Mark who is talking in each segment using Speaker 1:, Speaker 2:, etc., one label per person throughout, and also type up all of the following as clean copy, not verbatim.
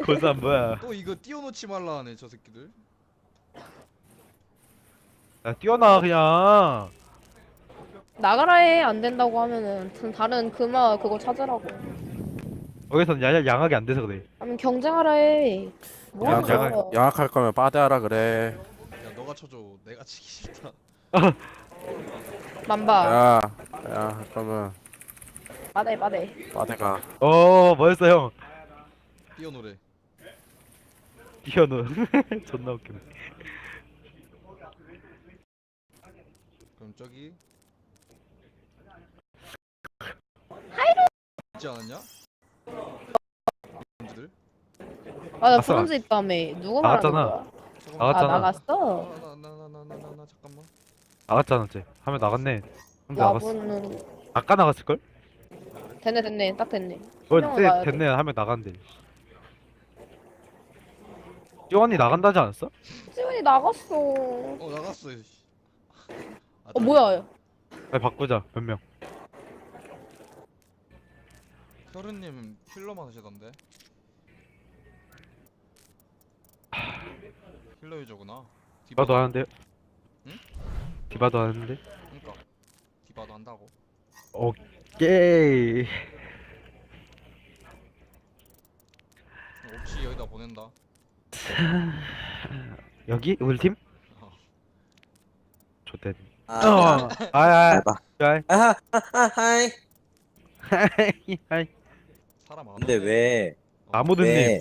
Speaker 1: 고산 뭐야?
Speaker 2: 또 이거 띄워놓지 말라 하네 저 새끼들.
Speaker 1: 야 뛰어나 그냥.
Speaker 3: 나가라 해. 안 된다고 하면은 다른 금화 그거 찾으라고.
Speaker 1: 거기선 양악이 안 돼서 그래.
Speaker 3: 아니면 경쟁하라 해. 뭐 하는
Speaker 1: 양악-
Speaker 3: 거야?
Speaker 4: 양악할 거면 빠대하라 그래.
Speaker 2: 야 너가 쳐줘. 내가 치기 싫다.
Speaker 3: 만바.
Speaker 4: 야, 할 거면
Speaker 3: 빠대.
Speaker 4: 빠대가.
Speaker 1: 뭐였어 형?
Speaker 2: 띄워놓으래.
Speaker 1: 뛰어노. 존나 웃기네.
Speaker 2: 그럼 저기. 있지 않았냐? 들
Speaker 3: 아, 나
Speaker 1: 아싸.
Speaker 3: 브론즈 있다며. 누구 말하는
Speaker 1: 나갔잖아.
Speaker 3: 거야? 아,
Speaker 1: 나갔잖아.
Speaker 3: 나갔어?
Speaker 2: 나나나나나나 잠깐만.
Speaker 1: 나갔잖아 쟤. 하면 나갔네. 근데 나갔어.
Speaker 3: 야분은
Speaker 1: 아까 나갔을 걸?
Speaker 3: 됐네. 딱 됐네.
Speaker 1: 뭘
Speaker 3: 설명을 봐야 돼.
Speaker 1: 됐네 하면 나간대. 찌원이 나간다지 않았어?
Speaker 3: 지훈이 나갔어.
Speaker 2: 나갔어.
Speaker 3: 뭐야?
Speaker 1: 빨리 바꾸자 몇 명.
Speaker 2: 혈은님 힐러만 하시던데. 힐러 유저구나.
Speaker 1: 디바도 하는데.
Speaker 2: 응?
Speaker 1: 디바도 하는데.
Speaker 2: 그러니까 디바도 한다고.
Speaker 1: 오케이.
Speaker 2: 없이 여기다 보낸다.
Speaker 1: 여기 우리 팀?
Speaker 2: 어.
Speaker 1: 좋대.
Speaker 5: 아,
Speaker 1: 아야.
Speaker 5: 해봐.
Speaker 1: 아이.
Speaker 5: 하이.
Speaker 1: 아이.
Speaker 2: 사람 안
Speaker 5: 근데
Speaker 2: 오네.
Speaker 5: 왜?
Speaker 1: 아모드님.
Speaker 5: 왜?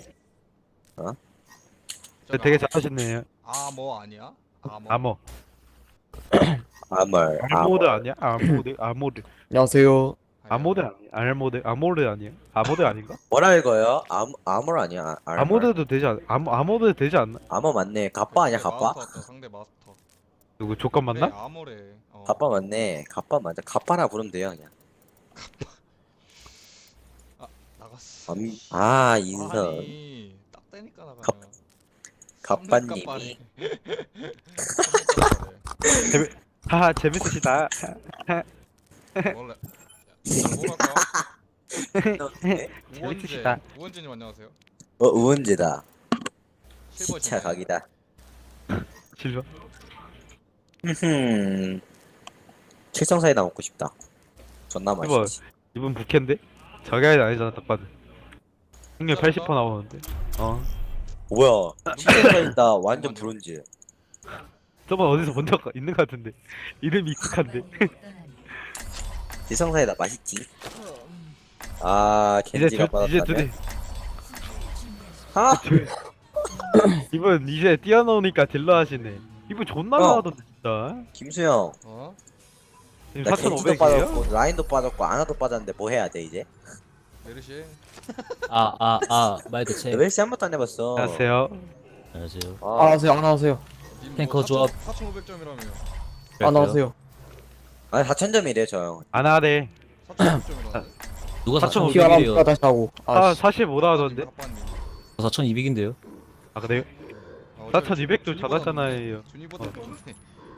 Speaker 2: 저기
Speaker 1: 되게 잘하셨네요.
Speaker 2: 아뭐 아니야? 아뭐.
Speaker 1: 아모.
Speaker 5: 아멀.
Speaker 1: 알모드 아니야? 아모드.
Speaker 4: 안녕하세요.
Speaker 1: 아모드 아니야? 아모드 아니야? 아모드 아닌가?
Speaker 5: 뭐라 읽어요? 아멀 아니야?
Speaker 1: 아모드도 되지 않? 아모드 되지 않나?
Speaker 5: 아머 맞네. 갑바 아니야? 갑바?
Speaker 2: 마스터 왔다, 상대 마스터.
Speaker 1: 누구 조건 맞나?
Speaker 2: 네, 아모래.
Speaker 5: 갑바 맞네. 갑바 맞아. 갑바라 부르면 돼요 그냥.
Speaker 2: 나갔어.
Speaker 5: 인선.
Speaker 2: 아니, 딱 되니까 나가요.
Speaker 5: 갑바님이.
Speaker 1: 하하 재밌으시다.
Speaker 2: 원래 뭐랄까?
Speaker 1: 재밌으시다.
Speaker 2: 우원재님 안녕하세요.
Speaker 5: 우은재다.
Speaker 2: 실버
Speaker 5: 시차 각이다.
Speaker 1: 실버.
Speaker 5: 칠성사이다 먹고 싶다. 존나
Speaker 1: 실버.
Speaker 5: 맛있지.
Speaker 1: 이분 부캐인데? 저게 아니잖아 딱 봐도. 확률 80% 나오는데.
Speaker 5: 뭐야? 칠성사이다 완전 브론즈.
Speaker 1: 저번 어디서 본 적 있는 것 같은데. 이름이 익숙한데.
Speaker 5: 칠성사이다 맛있지.
Speaker 1: 이제
Speaker 5: 겐지가
Speaker 1: 이제
Speaker 5: 받았다면.
Speaker 1: 둘이
Speaker 5: 아,
Speaker 1: 이분 이제 뛰어놓으니까 딜러 하시네. 이분 존나 나하던데 진짜.
Speaker 5: 김수영.
Speaker 1: 지금
Speaker 5: 나 겐지도
Speaker 1: 4,500이에요?
Speaker 5: 빠졌고 라인도 빠졌고 아나도 빠졌는데 뭐 해야 돼 이제?
Speaker 2: 메르시.
Speaker 6: 말 대체.
Speaker 5: 레벨시 한 번도 안 해봤어.
Speaker 1: 안녕하세요.
Speaker 6: 안녕하세요.
Speaker 4: 안녕하세요.
Speaker 6: 탱커 조합.
Speaker 2: 4,500점이라며.
Speaker 4: 안녕하세요.
Speaker 5: 아니 4,000점이래 저 형.
Speaker 1: 안 하래.
Speaker 2: 4,500점이라는데.
Speaker 6: 누가
Speaker 1: 4,500
Speaker 6: 4,500이래요?
Speaker 4: 다시 하고.
Speaker 1: 45 나왔던데?
Speaker 6: 4,200인데요?
Speaker 1: 아 그래요? 4,200도 잘하잖아요.
Speaker 2: 준이보다 좋네.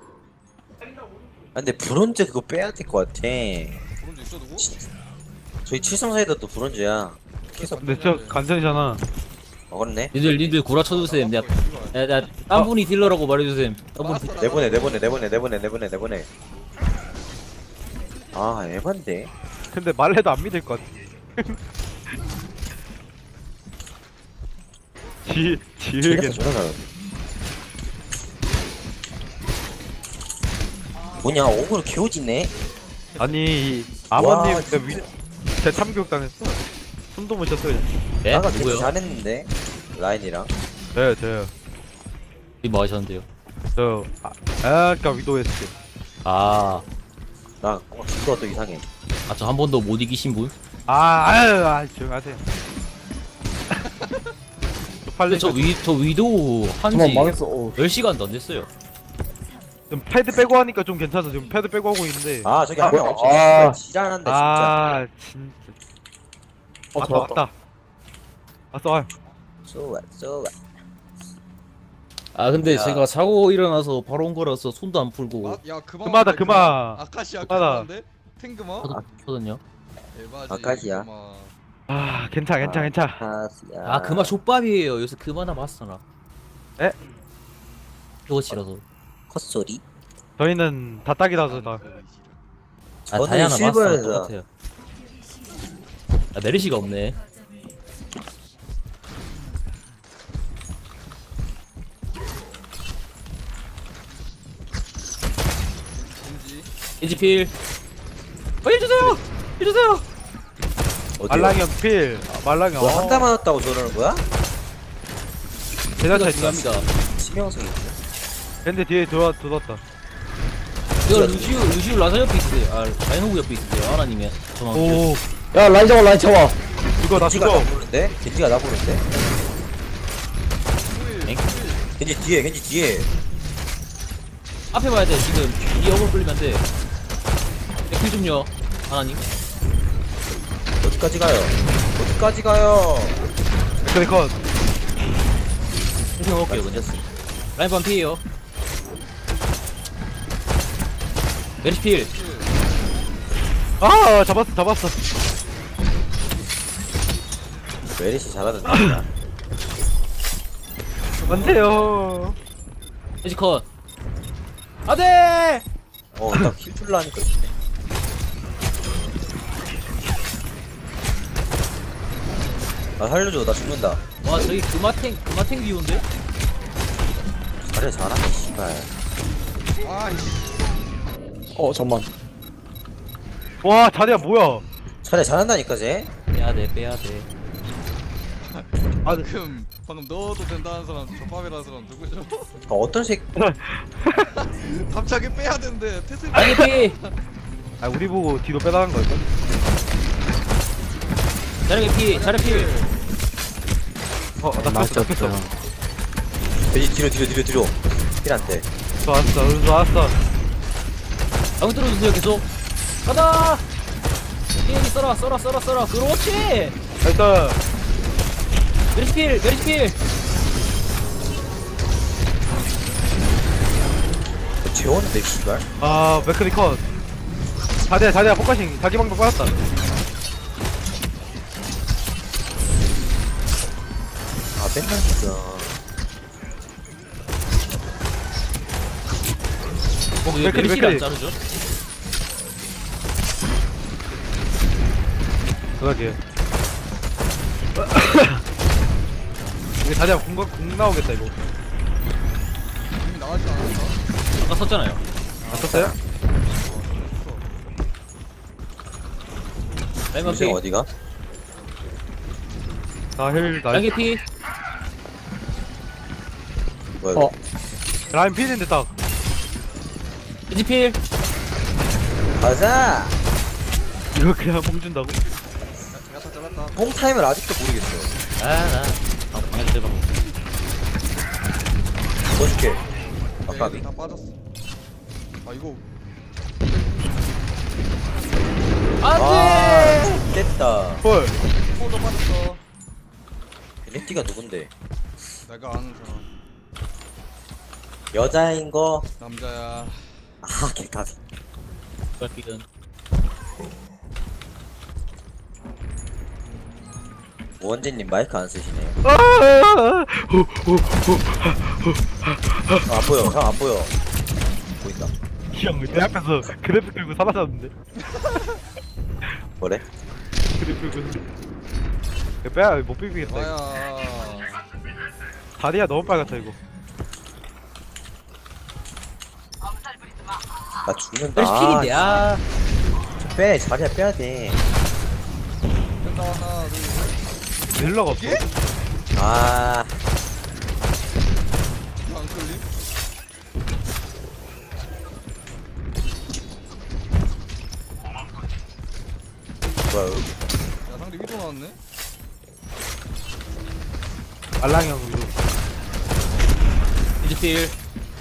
Speaker 5: 근데 브론즈 그거 빼야 될 것 같아.
Speaker 2: 브론즈 있어 누구?
Speaker 5: 저희 칠성사이더도 브론즈야.
Speaker 1: 근데 저 간전이잖아.
Speaker 5: 그렇네.
Speaker 6: 니들 구라 쳐주세요. 딴 분이 딜러라고 말해주세요. 딴 분이
Speaker 5: 내보내. 에반데.
Speaker 1: 근데 말해도 안 믿을 것 같아. 지으겠.
Speaker 5: 쟤네가 존나 잘하네. 뭐냐 오그로 개오지네.
Speaker 1: 아니 이 아버님
Speaker 5: 와,
Speaker 1: 제 참교육 당했어. 숨도 못 쉬었어요.
Speaker 6: 네?
Speaker 5: 나가 되게
Speaker 6: 누구요?
Speaker 5: 잘했는데 라인이랑.
Speaker 1: 저요.
Speaker 6: 뭐 하셨는데요?
Speaker 1: 아까 위도했을 때.
Speaker 6: 아,
Speaker 5: 나 그거 또 이상해.
Speaker 6: 저 한 번도 못 이기신 분?
Speaker 1: 조용하세요.
Speaker 6: 근데 저 위도 한지
Speaker 4: 망했어.
Speaker 6: 10시간도 안 됐어요.
Speaker 1: 좀 패드 빼고 하니까 좀 괜찮아. 지금 패드 빼고 하고 있는데.
Speaker 5: 저기 한 명 없어. 지랄한다 진짜.
Speaker 1: 진짜. 왔다. 왔어.
Speaker 5: 좋아.
Speaker 6: 근데
Speaker 5: 야.
Speaker 6: 제가 자고 일어나서 바로 온 거라서 손도 안 풀고
Speaker 2: 야 그만.
Speaker 1: 그마다 그마.
Speaker 2: 아카시아
Speaker 1: 그마다.
Speaker 2: 그만데? 탱그마?
Speaker 6: 하거든요.
Speaker 2: 에바지.
Speaker 5: 아카시아.
Speaker 2: 그마.
Speaker 1: 괜찮아.
Speaker 6: 아 그마 족밥이에요. 요새 그마나 봤어 나.
Speaker 1: 에?
Speaker 6: 그것이라서.
Speaker 5: 헛소리.
Speaker 1: 저희는 다 딱이라서 다.
Speaker 6: 아
Speaker 5: 저는
Speaker 6: 다이아나 마스터
Speaker 5: 실버에서.
Speaker 6: 똑같아요. 아 메르시가 없네.
Speaker 2: 겐지.
Speaker 6: 인지필. 해주세요. 해주세요.
Speaker 5: 어디요?
Speaker 1: 말랑이 형 필. 말랑이 형.
Speaker 5: 뭐한 대 맞았다고 저러는 거야?
Speaker 1: 대자차 있다.
Speaker 6: 중요합니다.
Speaker 5: 치명성이 있네.
Speaker 1: 근데 뒤에 들어왔다.
Speaker 6: 이거 루시우 라사 옆에 있으세요. 아 라인호구 옆에 있으세요. 하나님의 전화.
Speaker 1: 오,
Speaker 4: 야 라인 잡아 라인 잡아.
Speaker 1: 이거 나
Speaker 5: 겐지가
Speaker 1: 죽어.
Speaker 5: 나 보는데? 겐지가 나 보는데?
Speaker 6: 엥?
Speaker 5: 겐지 뒤에.
Speaker 6: 앞에 봐야 돼. 지금 이 어글 끌리면 안 돼. 백필 좀요. 하나님.
Speaker 5: 어디까지 가요?
Speaker 1: 그래 컷.
Speaker 6: 생생 먹을게요 그냥. 라인 반 피해요. 메리필.
Speaker 1: 아, 잡았어.
Speaker 5: 메리시 잘하던데.
Speaker 1: 안돼요.
Speaker 6: 에지컷. 안돼.
Speaker 5: 딱 힐줄라 하니까 있네. 아 살려줘, 나 죽는다.
Speaker 6: 와 저기 그마탱 비운데?
Speaker 5: 잘하네 씨발.
Speaker 2: 아이씨.
Speaker 4: 잠만.
Speaker 1: 와, 자리야 뭐야?
Speaker 5: 잘한다니까 쟤.
Speaker 6: 빼야돼.
Speaker 2: 방금 넣어도 된다는 사람 족밥이라는 사람 누구죠?
Speaker 5: 어떤 새끼.
Speaker 2: 갑자기 빼야 되는데 태세.
Speaker 6: 라인 피.
Speaker 1: 아, 우리 보고 뒤로 빼라는 거였어?
Speaker 6: 자르게 피.
Speaker 1: 나 뺐어.
Speaker 5: 겐지 뒤로. 힐한테.
Speaker 1: 좋았어.
Speaker 6: 방 뚫어주세요 계속. 가자. 피해기 썰어. 그렇지.
Speaker 1: 일단
Speaker 6: 메리필.
Speaker 5: 재웠는데 씨발.
Speaker 1: 아, 맥크리 컷. 자리야 포커싱. 자기 방법 빠졌다.
Speaker 5: 아 맨날 진짜.
Speaker 6: 왜
Speaker 1: 맥크리.
Speaker 6: 메리필 안 자르죠?
Speaker 1: 그러게. 이게 자리야 공 나오겠다 이거.
Speaker 2: 이미 나왔지 않았어?
Speaker 6: 아까 썼잖아요.
Speaker 1: 봤었어요?
Speaker 6: 라인 반
Speaker 5: 요새
Speaker 6: 피.
Speaker 5: 어디가?
Speaker 1: 나
Speaker 6: 라인 피.
Speaker 5: 뭐야?
Speaker 4: 어.
Speaker 1: 라인 필인데 딱.
Speaker 6: 에지필.
Speaker 5: 가자.
Speaker 1: 이거 그냥 뽕 준다고?
Speaker 2: 야타 잘랐다.
Speaker 5: 홈 타임을 아직도 모르겠어.
Speaker 6: 나 방에서 대박.
Speaker 5: 넣어줄게. 아까비.
Speaker 2: 다 빠졌어. 아 이거
Speaker 6: 안돼.
Speaker 5: 됐다.
Speaker 1: 헐.
Speaker 2: 포도 빠졌어.
Speaker 5: 베네티가 누군데?
Speaker 2: 내가 아는 사람.
Speaker 5: 여자인 거.
Speaker 2: 남자야.
Speaker 5: 아 개까비.
Speaker 6: 발길은.
Speaker 5: 원진님 마이크 안 쓰시네요.
Speaker 1: 아,
Speaker 5: 안 보여. 형 안 보여. 보인다.
Speaker 1: 형내 앞에서 그래프 끌고 사라졌는데.
Speaker 5: 뭐래?
Speaker 1: 그래프 끌고. 이거 빼야 못 비비겠다. 이거.
Speaker 2: 와야.
Speaker 1: 다리야 너무 빨갛다 이거.
Speaker 5: 나 죽는다.
Speaker 6: 메리필인데. 아.
Speaker 5: 빼. 자리야 빼야 돼.
Speaker 2: 됐다 하나 둘 셋.
Speaker 1: 딜러가 없어.
Speaker 5: 아.
Speaker 2: 안 끌림?
Speaker 5: 뭐야?
Speaker 2: 야 상대 위도 나왔네.
Speaker 1: 알랑이 형 이거.
Speaker 6: 에지필.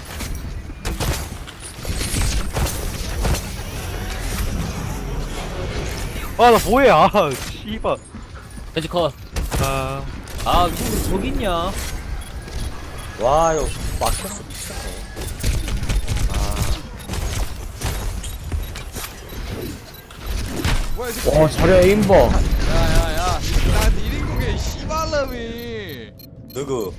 Speaker 1: 아, 나 뭐해? 아, 씨발.
Speaker 6: 에지컷.
Speaker 1: 아,
Speaker 6: 누구 저기 있냐?
Speaker 5: 와, 이거 막혔어. 미쳤네.
Speaker 2: 뭐야 이 새끼.
Speaker 4: 와 자리야 에임 봐.
Speaker 2: 야야야. 나 뒤에 사람이
Speaker 5: 누구?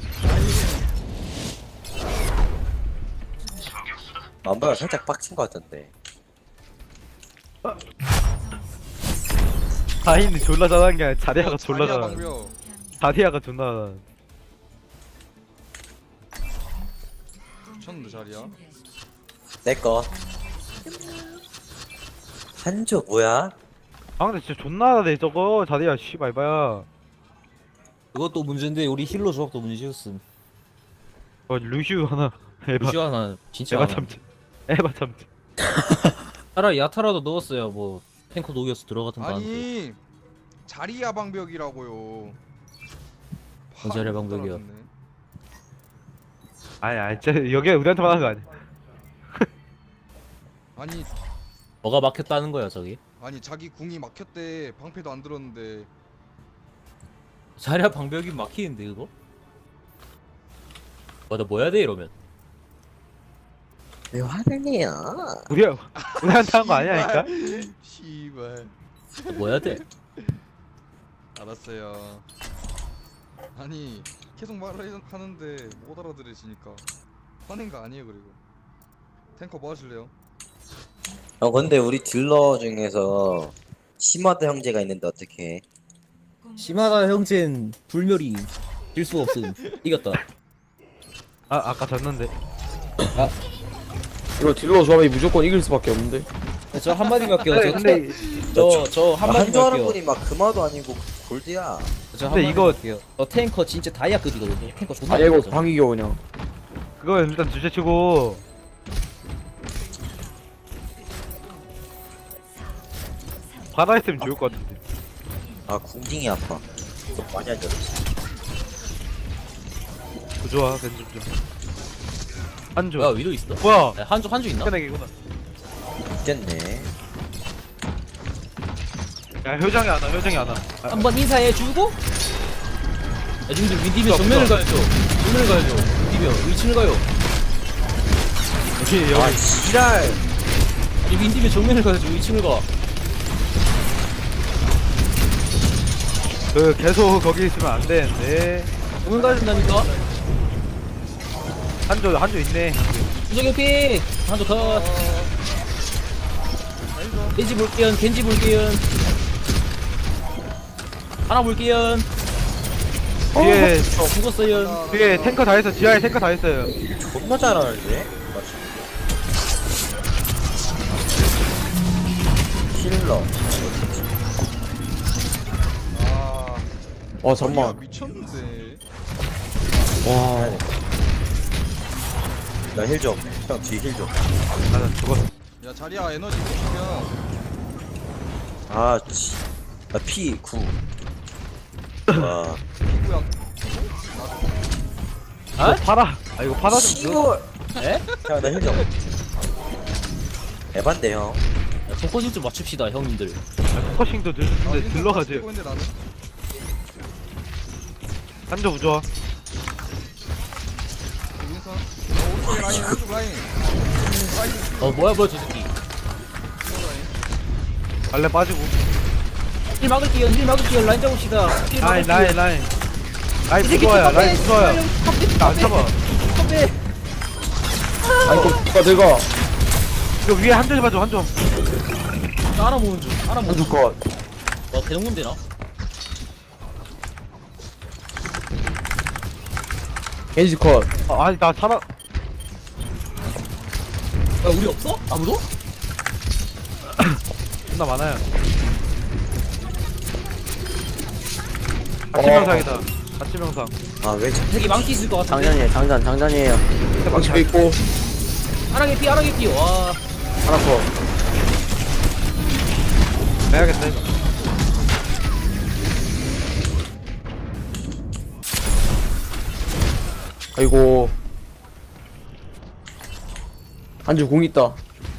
Speaker 5: 만보가 살짝 빡친 것 같던데.
Speaker 1: 다인이 졸라 잘하는 게 아니라 자리아가 졸라
Speaker 2: 자리야
Speaker 1: 잘하는.
Speaker 2: 방벽.
Speaker 1: 자리아가 존나 잘하는.
Speaker 2: 미쳤는데 자리야.
Speaker 5: 내꺼. 한조 뭐야?
Speaker 1: 아 근데 진짜 존나 잘해 저거 자리아 씨발 봐야.
Speaker 6: 그것도 문제인데 우리 힐러 조합도 문제였음.
Speaker 1: 루시우 하나. 에바.
Speaker 6: 루시오 하나 진짜
Speaker 1: 에바
Speaker 6: 하나.
Speaker 1: 참지. 에바 참지.
Speaker 6: 차라리 야타라도 넣었어야 뭐 탱커 녹여서 들어가든가 하는데.
Speaker 2: 아니 자리야 방벽이라고요.
Speaker 6: 뭔 자리야 방벽이야?
Speaker 2: 따라갔네.
Speaker 1: 아니 진짜 여기가 우리한테만 하는 거 아니야.
Speaker 2: 아니
Speaker 6: 뭐가 막혔다는 거야 저기?
Speaker 2: 자기 궁이 막혔대. 방패도 안 들었는데.
Speaker 6: 자리야 방벽이 막히는데 그거? 나 뭐 해야 돼 이러면?
Speaker 5: 왜 화를 내요?
Speaker 1: 우리한테 한 거 아니야니까?
Speaker 2: 씨발.
Speaker 6: 뭐 해야 돼?
Speaker 2: 알았어요. 아니 계속 말을 하는데 못 알아들으시니까 화낸 거 아니에요. 그리고 탱커 뭐 하실래요?
Speaker 5: 근데 우리 딜러 중에서 시마다 형제가 있는데 어떡해?
Speaker 6: 심하다 형제는 불멸이 질 수 없음. 이겼다.
Speaker 1: 아까 졌는데.
Speaker 4: 이거 딜러 조합이 무조건 이길 수밖에 없는데.
Speaker 6: 저 한마디만 할게요.
Speaker 1: 근데
Speaker 6: 저 한마디만
Speaker 5: 한조 하는
Speaker 6: 할게요.
Speaker 5: 분이 막 금화도 아니고 골드야.
Speaker 6: 저
Speaker 1: 근데
Speaker 6: 한마디만
Speaker 1: 이거-
Speaker 6: 할게요. 저 탱커 진짜 다이아급이거든요. 탱커 존나
Speaker 4: 아니 이거
Speaker 6: 못하죠.
Speaker 4: 방이겨 그냥.
Speaker 1: 그거 일단 주제치고 바다 있으면 좋을 것 같은데.
Speaker 5: 아 궁딩이 아파. 좀 많이 안 졌어.
Speaker 1: 좋아 벤좀 좀. 한조.
Speaker 6: 뭐야 위도 있어?
Speaker 1: 뭐야?
Speaker 6: 야, 한주 있나?
Speaker 1: 끝내기구나.
Speaker 5: 있겠네.
Speaker 1: 야 효정이 안 와. 효정이 안 와.
Speaker 6: 한번 인사해주고. 야 지금 윈디면
Speaker 1: 없어,
Speaker 6: 정면을
Speaker 1: 없어.
Speaker 6: 가야죠. 정면을 가야죠. 윈디면 2층을 가요.
Speaker 1: 여기
Speaker 5: 아 지랄.
Speaker 6: 아니 윈디면 정면을 가야죠. 2층을 가.
Speaker 1: 그 계속 거기 있으면 안 되는데.
Speaker 6: 정면 가야 된다니까.
Speaker 1: 한조 있네.
Speaker 6: 수정의 피. 한주 컷. 겐지 볼게요. 겐지 볼게요. 하나 볼게요.
Speaker 1: 뒤에
Speaker 6: 죽었어요.
Speaker 1: 뒤에 탱커 다 했어. 지하에 탱커 다 했어요.
Speaker 5: 존나 잘하는데? 힐러.
Speaker 2: 아
Speaker 4: 잠만.
Speaker 2: 자리야 미쳤는데.
Speaker 4: 와.
Speaker 5: 나 힐 좀. 형 뒤에 힐 좀.
Speaker 1: 나 죽었어.
Speaker 2: 야 자리야 에너지 보시면
Speaker 5: 아 씨. 나 피 9. 와.
Speaker 2: 피부야.
Speaker 6: 아?
Speaker 1: 팔아. 이거 팔아 좀 줘.
Speaker 5: 시골.
Speaker 6: 에?
Speaker 5: 형나 힐 좀. 에반데 형.
Speaker 6: 야, 포커싱 좀 맞춥시다 형님들.
Speaker 1: 포커싱도 근데 들러가지.
Speaker 2: 근데 나는
Speaker 1: 한조 부좋아.
Speaker 2: 윈선. 오른쪽에 라인 오른쪽 라인.
Speaker 6: 뭐야 저 새끼.
Speaker 1: 발레 빠지고.
Speaker 6: 힐 막을게요. 라인 잡읍시다. 힐
Speaker 1: 라인
Speaker 6: 막을게요.
Speaker 1: 라인. 라인 무서워요. 라인 무서워요. 나안 잡아.
Speaker 4: 아니 또 누가 들어가.
Speaker 1: 이거 위에 한조 좀 봐줘. 한조.
Speaker 6: 하나 모은 중. 하나 모은
Speaker 4: 한주
Speaker 6: 중.
Speaker 4: 컷.
Speaker 6: 와 대동문 되나?
Speaker 4: 겐지 컷.
Speaker 1: 아니 나 살아.
Speaker 6: 야 우리 없어? 아무도?
Speaker 1: 존나 많아요. 같이 명상이다. 같이 명상.
Speaker 5: 아왜
Speaker 6: 되게 많기 있을 것 같은데.
Speaker 4: 장전이에요. 방치도 있고
Speaker 6: 하나게 피. 와.
Speaker 4: 하나 컷.
Speaker 1: 해야겠다 이거.
Speaker 4: 아이고. 한주 공 있다.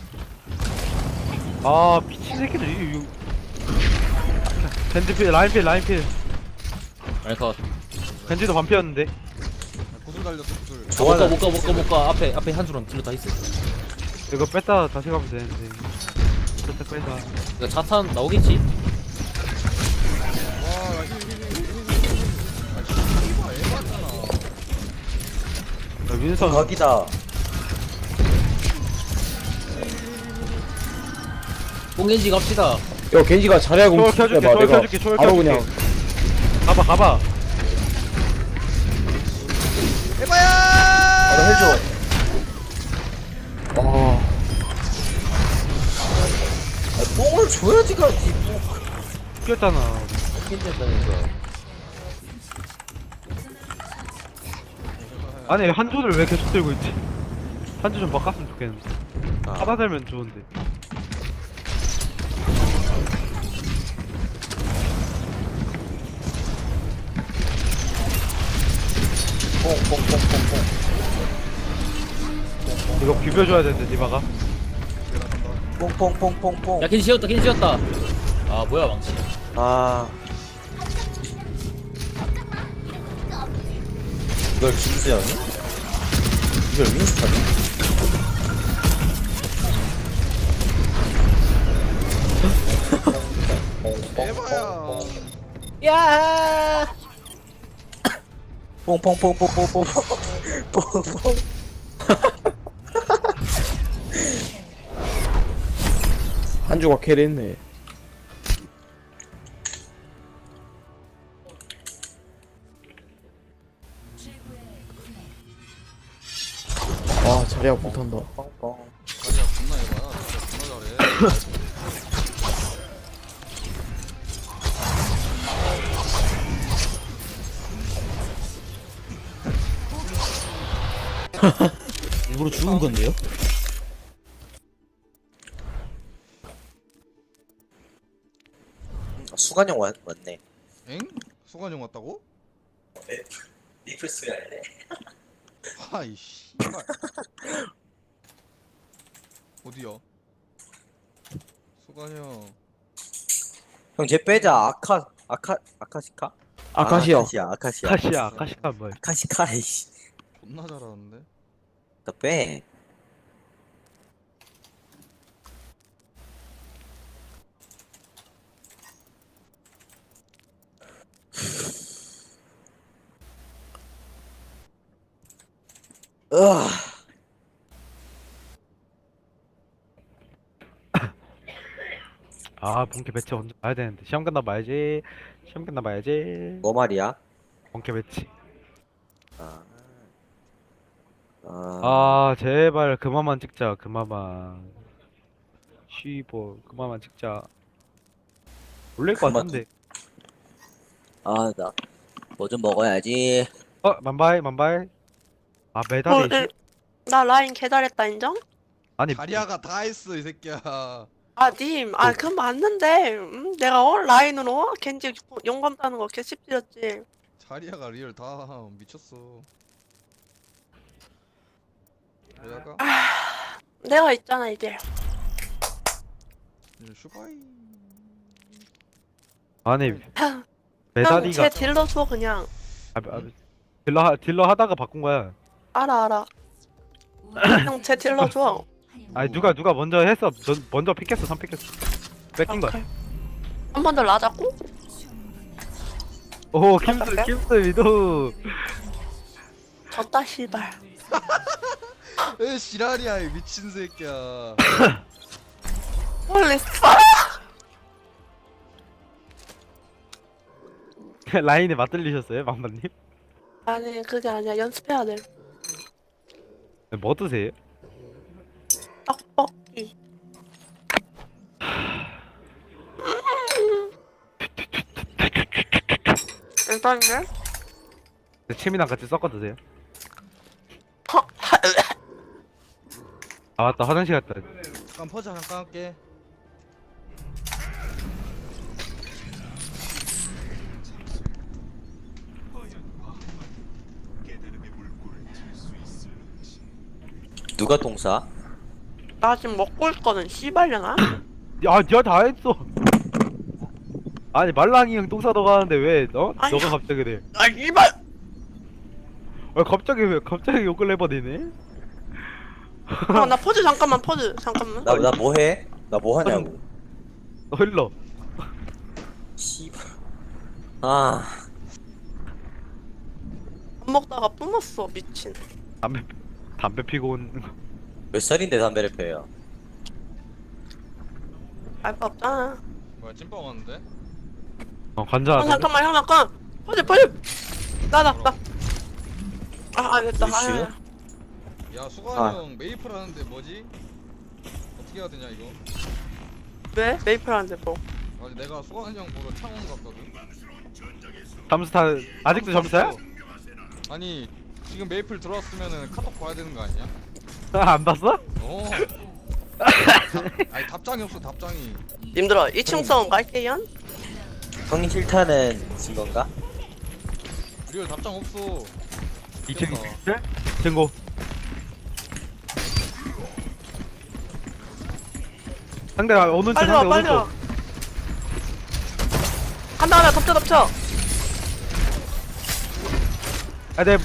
Speaker 1: 아 미친 새끼들 이 벤지필 라인필
Speaker 6: 아니 컷.
Speaker 1: 벤지도 반피였는데.
Speaker 2: 구슬 달렸어 구슬.
Speaker 5: 좋아하는
Speaker 6: 못 가. 앞에 한 줄은 딜러 다 있어.
Speaker 1: 이거 뺐다 다시 가면 되는데. 뺐다 빼다.
Speaker 6: 이거 자탄 나오겠지?
Speaker 1: 윈선
Speaker 5: 거기다.
Speaker 6: 뽕겐지 갑시다.
Speaker 4: 야 겐지가 자리하고
Speaker 1: 초월 켜줄게,
Speaker 4: 봐
Speaker 1: 초월
Speaker 4: 내가
Speaker 1: 켜줄게, 초월
Speaker 4: 바로
Speaker 1: 켜줄게.
Speaker 4: 그냥
Speaker 1: 가봐.
Speaker 2: 해봐야.
Speaker 5: 바로 해줘.
Speaker 4: 와
Speaker 5: 뽕을 줘야지 가지.
Speaker 1: 죽였잖아.
Speaker 5: 낀다니까.
Speaker 1: 아니 한조를 왜 계속 들고 있지? 한조 좀 바꿨으면 좋겠는데.
Speaker 5: 아.
Speaker 1: 하나 살면 좋은데.
Speaker 5: 뽕뽕뽕뽕뽕.
Speaker 1: 이거 비벼줘야 되는데 디바가.
Speaker 5: 뽕뽕뽕뽕뽕.
Speaker 6: 야 겐지 지었다 겐지 지었다. 아 뭐야 망치.
Speaker 5: 아. 이걸 김수현이? 이걸 윈스턴이?
Speaker 2: 해봐야.
Speaker 6: 야.
Speaker 5: 뽕뽕뽕뽕뽕뽕. 뽕뽕.
Speaker 4: 한주가 캐리했네. 아 자리가 못한다.
Speaker 5: 뽕뽕.
Speaker 2: 자리야 존나 해봐야. 진짜 존나 잘해.
Speaker 6: 일부러 죽은 건데요?
Speaker 5: 수관형 왔네.
Speaker 2: 엥? 수관형 왔다고?
Speaker 5: 리플스가 아니네.
Speaker 2: 아이 씨발. 어디야? 수관형.
Speaker 5: 형, 쟤 빼자. 아카시카?
Speaker 4: 아카시아.
Speaker 5: 아카시아.
Speaker 1: 카시카 뭐야?
Speaker 5: 아카시카, 이씨.
Speaker 2: 존나 잘하는데?
Speaker 5: 너 빼. 으아.
Speaker 1: 아 본캐 매치 언제 봐야 되는데 시험 끝나 봐야지. 시험 끝나 봐야지.
Speaker 5: 뭐 말이야?
Speaker 1: 본캐 매치.
Speaker 5: 아.
Speaker 1: 아 제발 그만만 찍자. 그만만. 쉬보 그만만 찍자. 올릴 것
Speaker 5: 그만.
Speaker 1: 같은데.
Speaker 5: 아, 나 뭐 좀 먹어야지.
Speaker 1: 만바이. 아 메달이.
Speaker 3: 네. 나 라인 개잘했다 인정?
Speaker 1: 아니
Speaker 2: 자리아가 다 했어 이 새끼야.
Speaker 3: 님, 그건 맞는데, 내가 라인으로 겐지 용감 따는 거 개씹지렸지.
Speaker 2: 자리아가 리얼 다 미쳤어. 자리아가
Speaker 3: 내가 있잖아 이제.
Speaker 2: 슈바이.
Speaker 1: 아니
Speaker 3: 형,
Speaker 1: 메달이가
Speaker 3: 쟤 딜러 줘 그냥.
Speaker 1: 딜러 하다가 바꾼 거야.
Speaker 3: 알아. 형, 쟤 딜러 줘.
Speaker 1: 아니 누가 먼저 했어. 먼저 픽했어. 3픽했어. 뺏긴 거야.
Speaker 3: 한 번 더 라자고?
Speaker 1: 오 킴스 위도.
Speaker 3: 졌다 씨발.
Speaker 2: 에 지랄이야 이 미친 새끼야.
Speaker 3: 홀리 파.
Speaker 1: 라인에 맞들리셨어요, 망반님?
Speaker 3: 아니 그게 아니야 연습해야 돼.
Speaker 1: 뭐 드세요?
Speaker 3: 떡볶이. 일단은
Speaker 1: 침이랑 같이 섞어 드세요. 아 맞다 화장실 갔다.
Speaker 2: 잠깐 퍼져 잠깐 할게.
Speaker 5: 누가 똥 싸?
Speaker 3: 나 지금 먹고 있거든 씨발려나?
Speaker 1: 야, 니가 다 했어. 아니 말랑이 형 똥 싸러 가는데 왜
Speaker 3: 아니.
Speaker 1: 너가 갑자기 그래?
Speaker 3: 씨발.
Speaker 1: 갑자기 욕을 해버리네?
Speaker 3: 나 포즈 잠깐만.
Speaker 5: 나 뭐 해? 나 뭐 하냐고.
Speaker 1: 너 흘러.
Speaker 5: 씨발. 아.
Speaker 3: 밥 먹다가 뿜었어 미친.
Speaker 1: 담배 피고 온.
Speaker 5: 몇 살인데 담배를 펴요?
Speaker 3: 알바 없잖아.
Speaker 2: 뭐야 찐빵 왔는데?
Speaker 1: 관자.
Speaker 3: 형 잠깐만 형 잠깐. 퍼즐. 나. 됐다.
Speaker 5: 루시오?
Speaker 2: 야 수관이
Speaker 5: 아.
Speaker 2: 형 메이플 하는데 뭐지? 어떻게 해야 되냐 이거?
Speaker 3: 왜? 메이플 하는데 뭐?
Speaker 2: 아니 내가 수관이 형 보러 창원 갔거든.
Speaker 1: 잠수타 아직도 잠수야?
Speaker 2: 아니 지금 메이플 들어왔으면은 카톡 봐야 되는 거 아니야?
Speaker 1: 안 봤어?
Speaker 2: 어. 아니 답장이 없어 답장이.
Speaker 3: 님들아 2층 싸움 갈게요.
Speaker 5: 형님 실타는 진 건가?
Speaker 2: 리얼 답장 없어.
Speaker 1: 2층 증고. 상대가 오는 쪽
Speaker 3: 빨리
Speaker 1: 상대
Speaker 3: 와
Speaker 1: 오는
Speaker 3: 빨리 와.
Speaker 1: 쪽.
Speaker 3: 간다 덮쳐.
Speaker 1: 아, 내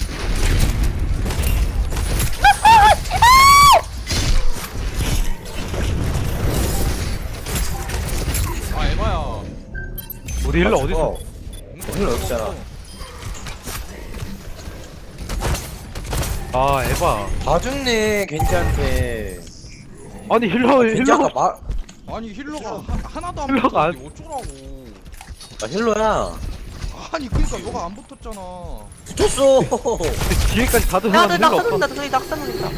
Speaker 2: 아 에바야.
Speaker 1: 우리 힐러 어디 있어?
Speaker 5: 힐러 없잖아.
Speaker 1: 아, 에바.
Speaker 5: 다 죽네 겐지한테.
Speaker 1: 아니 힐러
Speaker 5: 겐지 아까 말.
Speaker 2: 아니 힐러가 하나도 안
Speaker 1: 힐러가 안-
Speaker 2: 붙었는데 어쩌라고.
Speaker 5: 아 힐러야.
Speaker 2: 아니 그니까 너가 안 붙었잖아.
Speaker 5: 붙었어.
Speaker 1: 뒤에까지 다
Speaker 3: 야,
Speaker 1: 들어가는
Speaker 3: 너
Speaker 1: 힐러 없어.
Speaker 3: 낙사는다. 저기 낙사는다.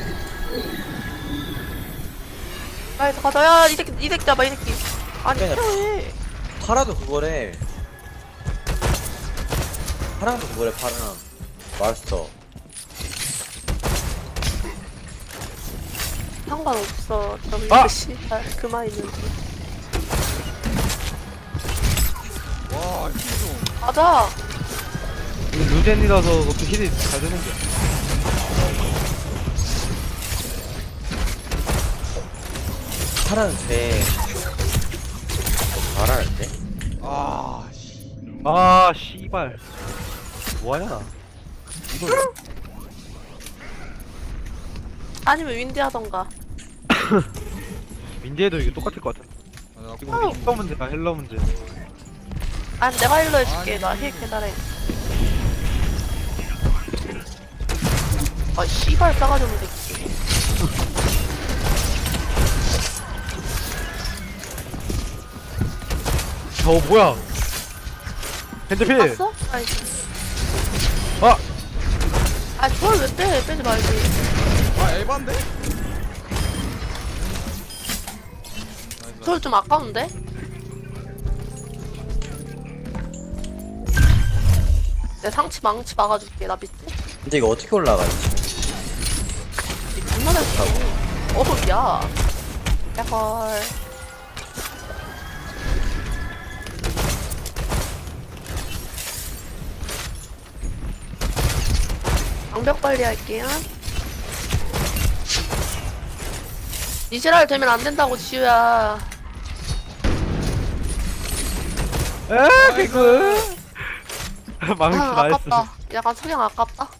Speaker 3: 나이스 가자. 야, 이 새끼 잡아, 이 새끼. 아니,
Speaker 5: 그래.
Speaker 3: 필요해.
Speaker 5: 파라도 그거래. 파랑도 그거래 파랑. 마스터.
Speaker 3: 상관없어. 좀
Speaker 1: 아!
Speaker 3: 씨발 그만 있는지.
Speaker 2: 와 힐좀.
Speaker 3: 가자.
Speaker 1: 루젠이라서 그렇게 힐이 잘 되는 거야.
Speaker 5: 파랑 돼. 잘하는데?
Speaker 2: 아 씨.
Speaker 1: 아, 씨발. 뭐하냐?
Speaker 3: 아니면 윈디 하던가.
Speaker 1: 민재도 이게 똑같을 것 같아.
Speaker 2: 아, 나
Speaker 1: 이거 힐러 문제가 힐러 문제.
Speaker 3: 아니, 내가 힐러 해줄게.
Speaker 2: 아니.
Speaker 3: 나 힐 개잘해. 아, 씨발 싸가지 없는 새끼.
Speaker 1: 뭐야? 핸드필.
Speaker 3: 봤어? 아니.
Speaker 1: 아,
Speaker 3: 아, 저걸 왜 빼? 빼지 말지.
Speaker 2: 아 에반데?
Speaker 3: 저걸 좀 아까운데? 내 상치 망치 막아줄게. 나 믿지?
Speaker 5: 근데 이거 어떻게 올라가지?
Speaker 3: 이 존나 잘 싸고. 야. 야헐. 방벽 관리 할게요. 이지랄 되면 안 된다고, 지우야.
Speaker 1: 에, 개그. 망치
Speaker 3: 아,
Speaker 1: 나이스.
Speaker 3: 아깝다. 약간 석양 아깝다.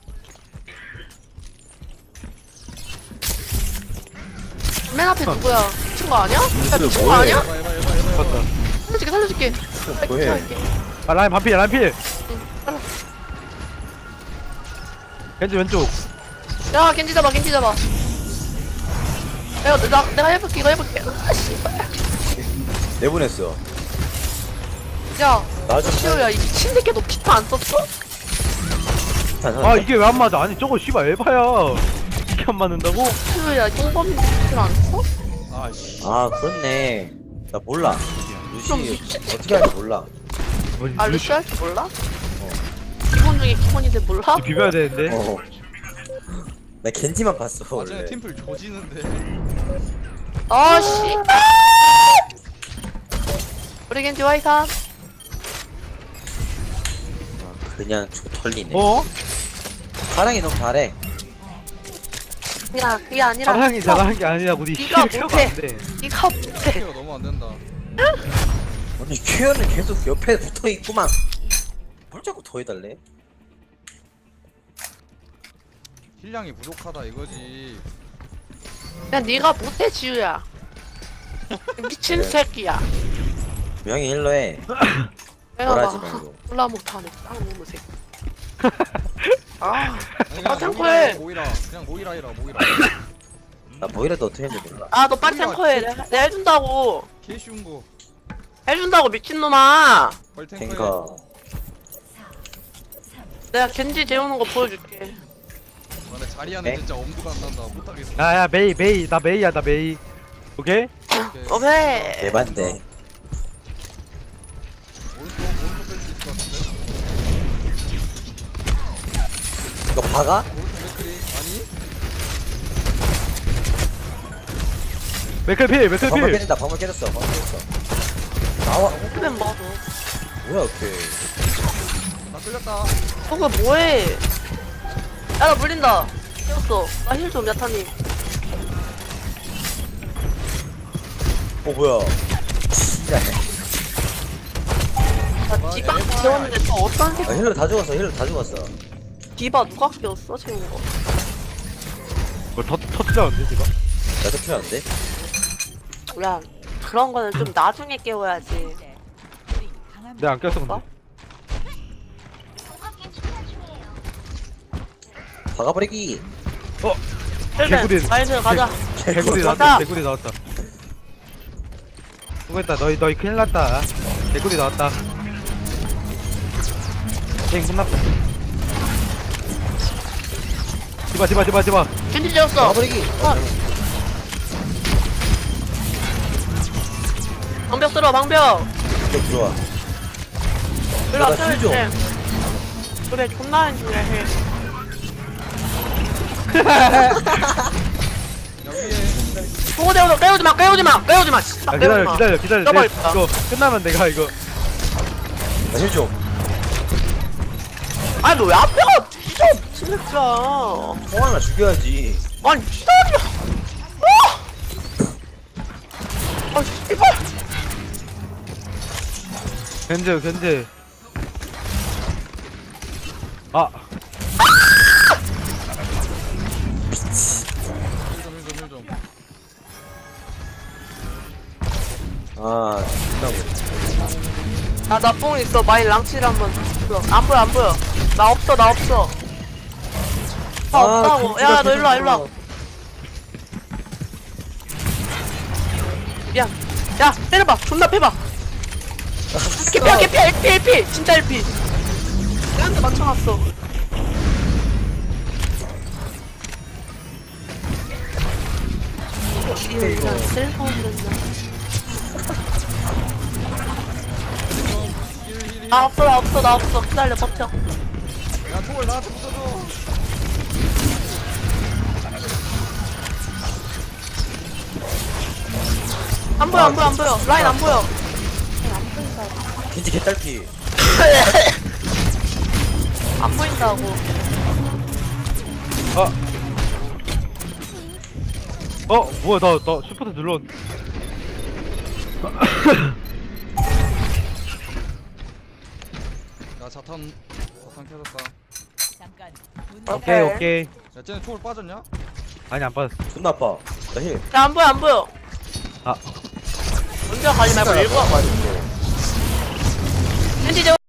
Speaker 3: 맨 앞에 누구야? 미친 거 아니야? 야, 미친 거 아니야?
Speaker 2: 에바 에바 에바 에바.
Speaker 1: 맞다.
Speaker 3: 살려줄게.
Speaker 5: 뭐해?
Speaker 3: 할게.
Speaker 1: 아, 라인 반필, 라인 필.
Speaker 3: 응, 빨라.
Speaker 1: 겐지 왼쪽.
Speaker 3: 야, 겐지 잡아. 내가 해볼게. 이거 해볼게. 아, 씨발.
Speaker 5: 내보냈어.
Speaker 3: 야,
Speaker 5: 나 좀.
Speaker 3: 시우야, 이 미친 새끼 너 피터 안 썼어?
Speaker 1: 아, 이게 왜 안 맞아? 아니, 저거 씨발 에바야. 이게 안 맞는다고?
Speaker 3: 시우야, 똥범이 피터 안 써?
Speaker 2: 아 씨.
Speaker 5: 아 그렇네. 나 몰라.
Speaker 3: 그럼
Speaker 5: 루시
Speaker 3: 미친
Speaker 5: 어떻게 하는지 몰라.
Speaker 1: 뭐지?
Speaker 3: 아, 루시 할 줄 몰라? 기본 중에 기본인데 몰라?
Speaker 1: 비벼야 되는데.
Speaker 5: 어. 나 겐지만 봤어
Speaker 2: 나중에
Speaker 5: 원래.
Speaker 2: 팀플 조지는데.
Speaker 3: 아, 씨발! 우리 겐지 와이산.
Speaker 5: 그냥 저 털리네.
Speaker 1: 어?
Speaker 5: 파랑이 너무 잘해.
Speaker 3: 야, 그게 아니라.
Speaker 1: 사랑이 잘하는 게 아니라 우리
Speaker 3: 네가
Speaker 1: 힐
Speaker 3: 못해.
Speaker 1: 안 돼.
Speaker 3: 이거 못해.
Speaker 2: 케어 너무 안 된다.
Speaker 5: 아니 큐어는 계속 옆에 붙어 있구만. 뭘 자꾸 더 해달래?
Speaker 2: 힐량이 부족하다 이거지.
Speaker 3: 야, 네가 못해, 지우야. 미친
Speaker 5: 그래.
Speaker 3: 새끼야.
Speaker 5: 명예 힐러해.
Speaker 3: 내가
Speaker 5: 뭐라지
Speaker 3: 막
Speaker 5: 말고.
Speaker 3: 몰라 못하네. 쌍놈의 새끼. 아,
Speaker 2: 아니
Speaker 3: 아,
Speaker 2: 그냥
Speaker 3: 탱커해.
Speaker 2: 모이라 그냥 모이라 해라 모이라.
Speaker 5: 나 뭐이라도 어떻게 했는지 몰라.
Speaker 3: 아, 너 빨리 탱커해. 내가 해준다고.
Speaker 2: 개 쉬운 거.
Speaker 3: 해준다고, 미친놈아.
Speaker 2: 빨리 탱커해.
Speaker 5: 탱커.
Speaker 3: 내가 겐지 재우는 거 보여줄게.
Speaker 2: 아, 내 자리하는
Speaker 5: 에?
Speaker 2: 진짜 엄두가 안 난다. 못하겠어.
Speaker 1: 야야 메이 나 메이야 나 메이. 오케이?
Speaker 2: 오케이.
Speaker 3: 오케이.
Speaker 5: 대반대.
Speaker 2: 오른쪽 뺄수 있을 것 같은데.
Speaker 5: 이거 박아?
Speaker 2: 오른쪽 맥크리 아니?
Speaker 1: 맥클필
Speaker 5: 방금
Speaker 1: 맥클필.
Speaker 5: 깨진다. 방금 깨졌어. 방금 깨졌어. 나와.
Speaker 3: 그냥 뭐.
Speaker 5: 뭐야 오케이.
Speaker 2: 나 끌렸다.
Speaker 3: 그거 뭐해? 야, 나 물린다. 깨웠어. 나 힐 좀, 야타님.
Speaker 5: 뭐야. 진짜.
Speaker 3: 나 디바 재웠는데 또 어떤
Speaker 5: 아,
Speaker 3: 새끼.
Speaker 5: 힐러 다 죽었어. 힐러 다 죽었어.
Speaker 3: 디바 누가 깨웠어? 재운 거.
Speaker 1: 뭐 터치자는데 지금?
Speaker 5: 나도 필요한데?
Speaker 3: 야, 그런 거는 좀 나중에 깨워야지.
Speaker 1: 내가 안 꼈어 근데.
Speaker 3: 어?
Speaker 5: 박아버리기.
Speaker 1: 개구리.
Speaker 3: 나이스, 가자.
Speaker 1: 개구리
Speaker 3: 맞다.
Speaker 1: 나왔다. 개구리 나왔다. 수고했다. 너희 큰일 났다. 개구리 나왔다. 게임 끝났다. 디바.
Speaker 3: 겐지 재웠어.
Speaker 5: 박아버리기.
Speaker 3: 방벽 쓸어, 방벽.
Speaker 5: 이쪽 들어와.
Speaker 3: 일로 와,
Speaker 5: 나 힐 좀.
Speaker 3: 해. 그래, 존나 해주네, 해.
Speaker 2: 야 위에.
Speaker 3: 보고 재워서 깨우지 마.
Speaker 1: 아, 기다려.
Speaker 3: 떠버렸다.
Speaker 1: 이거 끝나면 내가 이거.
Speaker 5: 나 힐 좀.
Speaker 3: 아니, 너 왜 앞에가 진짜 미친 새끼야.
Speaker 5: 형 하나 죽여야지.
Speaker 3: 아니, 기다려. 아, 씨발.
Speaker 1: 견제. 아,
Speaker 2: 힐 좀.
Speaker 5: 아, 끝나고.
Speaker 3: 나 뽕 있어. 마이 랑치를 한번 줘. 안 보여. 나 없어. 나 없다고. 야, 너 일로 와. 미안. 야, 때려봐. 존나 패봐. 개피야. LP. 진짜 LP. 내한테 맞춰놨어. 이거 진짜 쓸모없는 날. 나 없어. 기다려, 버텨.
Speaker 2: 야 총을 나한테 붙여줘.
Speaker 3: 안 보여. 라인 안 보여.
Speaker 5: 겐지 개딸피.
Speaker 3: 안 보인다고.
Speaker 1: 뭐야 나 슈퍼트 눌렀.
Speaker 2: 야 자탄 켜졌다.
Speaker 1: 오케이.
Speaker 2: 야 쟤네 총을 빠졌냐?
Speaker 1: 아니 안 빠졌어.
Speaker 5: 존나 아파. 나 힐.
Speaker 3: 야, 안 보여.
Speaker 1: 아.
Speaker 3: 먼저 가지 말고 일부러.
Speaker 5: 빠졌어.
Speaker 3: 겐지